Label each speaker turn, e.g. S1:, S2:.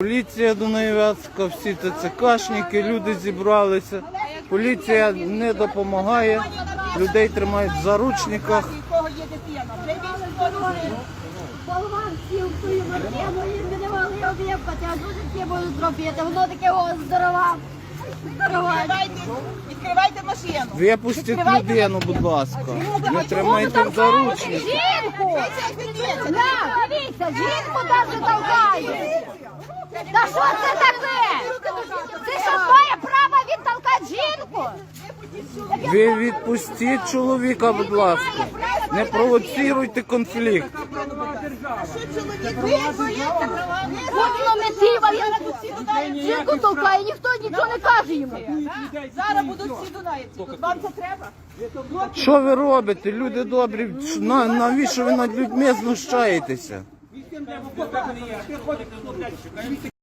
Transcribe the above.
S1: Поліція Дунаєвецька, всі ТЦКшники, люди зібралися. Поліція не допомагає, людей тримають в заручниках.
S2: Болван сів в свою машину і не могли об'єпати, а дуже всі будуть зробити. Воно таке здорова.
S3: Відкривайте машину.
S1: Випустіть людину, будь ласка. Не тримайте в заручниках.
S2: Жінку! Дивіться, жінку навіть толкає. Та що це таке? Це що твоє право відтолкати жінку?
S1: Ви відпустіть чоловіка, будь ласка. Не провоціруйте конфлікт.
S2: Воно метива, жінку толкає, ніхто нічого не каже йому.
S3: Зараз будуть всі дунаєці. Тут вам це треба?
S1: Що ви робите, люди добрі? Навіщо ви над людьми знущаєтеся?